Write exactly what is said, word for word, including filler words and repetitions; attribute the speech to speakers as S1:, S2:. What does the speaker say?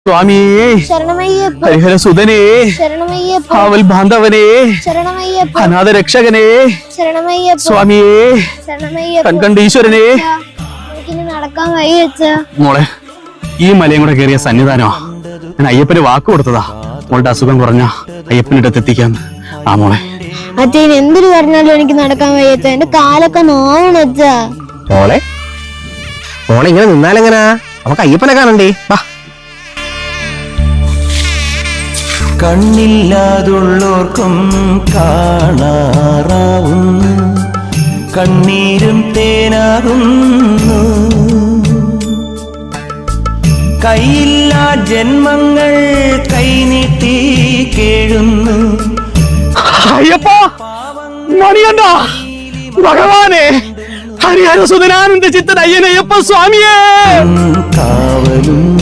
S1: സ്വാമിയേ
S2: ശരണമയ്യപ്പ
S1: ഹരിഹര സുതനേ
S2: ശരണമയ്യപ്പ
S1: കാവൽ ബാന്ധവനേ
S2: ശരണമയ്യപ്പ
S1: അനാഥ രക്ഷകനേ
S2: ശരണമയ്യപ്പ
S1: സ്വാമിയേ
S2: ശരണമയ്യപ്പ
S1: കൺകണ്ട ഈശ്വരനേ
S2: എനിക്കിനി നടക്കാൻ വയ്യച്ച
S1: മോളെ ഈ മലയും കൂടെ കയറിയ സന്നിധാനമാ ഞാൻ അയ്യപ്പന് വാക്ക് കൊടുത്തതാ മോളുടെ അസുഖം കുറഞ്ഞ അയ്യപ്പൻ്റെ അടുത്ത് എത്തിക്കാന്ന്. ആ മോളെ
S2: അച്ഛൻ എന്തൊരു പറഞ്ഞാലും എനിക്ക് നടക്കാൻ വയ്യച്ച എന്റെ കാലൊക്കെ നോവണച്ച
S3: മോളെ മോളെ ഇങ്ങനെ നിന്നാലെങ്ങനാ നമുക്ക് അയ്യപ്പനെ കാണണ്ടേ വാ.
S4: കണ്ണില്ലാതുള്ളോർക്കും കാണാറാവുന്നു, കണ്ണീരും തേനാകുന്നു. കൈയില്ലാ ജന്മങ്ങൾ കൈനീട്ടി കേഴുന്നു.
S1: അയ്യപ്പ മണിയണ്ട ഭഗവാനെ ഹരിഹര സുതനാനന്ദ ചിത്തൻ അയ്യനയ്യപ്പ സ്വാമിയേ
S4: കാവലും